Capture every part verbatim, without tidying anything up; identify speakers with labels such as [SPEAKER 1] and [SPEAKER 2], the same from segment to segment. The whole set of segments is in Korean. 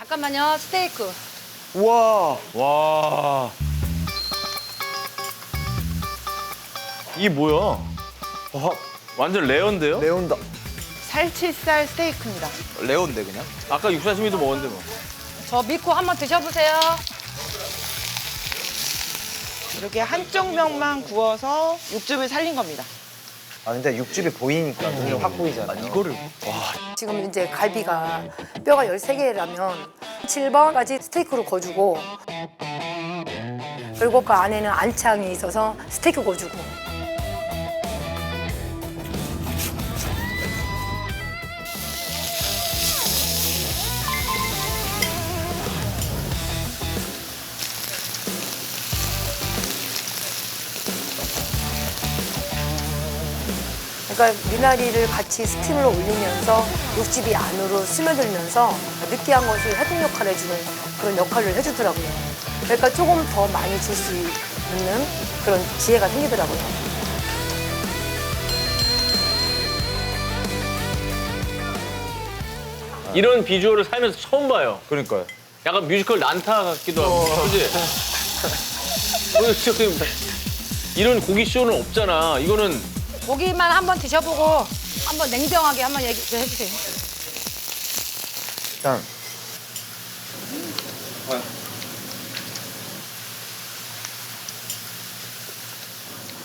[SPEAKER 1] 잠깐만요. 스테이크.
[SPEAKER 2] 우와.
[SPEAKER 3] 와. 이게 뭐야?
[SPEAKER 2] 와,
[SPEAKER 3] 완전 레어인데요?
[SPEAKER 2] 레온다.
[SPEAKER 4] 살치살 스테이크입니다.
[SPEAKER 2] 레온데 그냥?
[SPEAKER 3] 아까 육사시미도 먹었는데 뭐.
[SPEAKER 1] 저 믿고 한번 드셔보세요.
[SPEAKER 4] 이렇게 한쪽 면만 구워서 육즙을 살린 겁니다.
[SPEAKER 2] 아 근데 육즙이 보이니까 눈에 확 보이잖아요. 이거를
[SPEAKER 5] 지금 이제 갈비가 뼈가 열세 개라면 칠 번까지 스테이크로 구워주고 그리고 그 안에는 안창이 있어서 스테이크 구워주고 그러니까 미나리를 같이 스팀을 올리면서 육즙이 안으로 스며들면서 느끼한 것을 해독 역할을 해주는 그런 역할을 해주더라고요. 그러니까 조금 더 많이 줄 수 있는 그런 기회가 생기더라고요.
[SPEAKER 3] 이런 비주얼을 살면서 처음 봐요.
[SPEAKER 2] 그러니까요.
[SPEAKER 3] 약간 뮤지컬 난타 같기도 하고. 그지? 이런 고기 쇼는 없잖아. 이거는
[SPEAKER 1] 고기만 한번 드셔보고 한번 냉정하게 한번 얘기 좀 해주세요.
[SPEAKER 2] 일단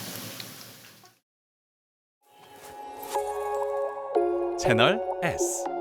[SPEAKER 6] 채널 S